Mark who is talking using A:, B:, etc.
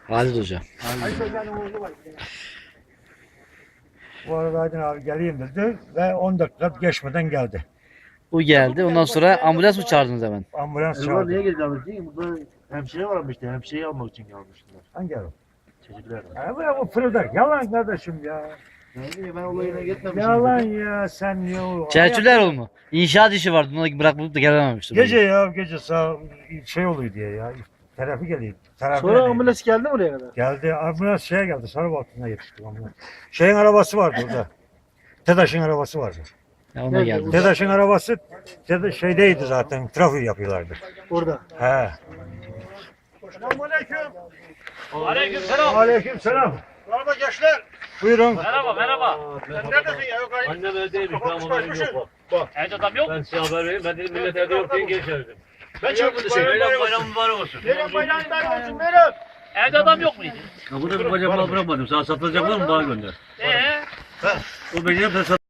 A: Halil Hoca.
B: Bu arada Aydın abi geleyim dedi ve 10 dakika geçmeden geldi.
A: Bu geldi. Ondan sonra ambulans mı çağırdınız hemen?
B: Ambulans
C: Bunlar niye
B: çağırdı.
C: geldi abi? Değil mi? Burada hemşire varmıştı. Hemşireyi almak için gelmişler.
B: Hangi araba?
C: Çocuklar.
B: Bu fırıldak. Yalan kardeşim ya.
C: Yani ben olayına gitmemişim.
B: Yalan ya sen niye o?
A: Çerçüler mu? İnşaat işi vardı. Onu bırakıp da gelememiştim.
B: Gece ya gece sağ şey oluyor diye ya. Terapi geliyor. Terapi
D: Sonra
B: geliyor.
D: ambulans geldi mi oraya kadar?
B: Geldi ambulans şeye geldi. Sarıbaltı'na yetişti ambulans. Şeyin arabası vardı orada. TEDAŞ'ın arabası vardı.
A: Ya ona geldi.
B: TEDAŞ'ın arabası şeydeydi zaten. Trafik yapıyorlardı.
D: Orada.
B: He. Selamünaleyküm.
E: Aleykümselam.
B: Aleykümselam.
E: Merhaba gençler.
B: Buyurun.
E: Merhaba.
B: Sen neredesin ya? Yok
E: Annem evdeymiş. Tamam haberim yok.
B: Evde
E: adam yok. Ben size haber vereyim. Ben dedim millet evde yok diye geri çevirdim. Ben çıktım dışarı. Bayram mübarek olsun.
B: bayram mübarek olsun. Buyurun.
E: Evde adam yok muydu?
F: Ya burada bir bacak mal bırakmadım. Sana satılacak var mı bana gönder. O benim de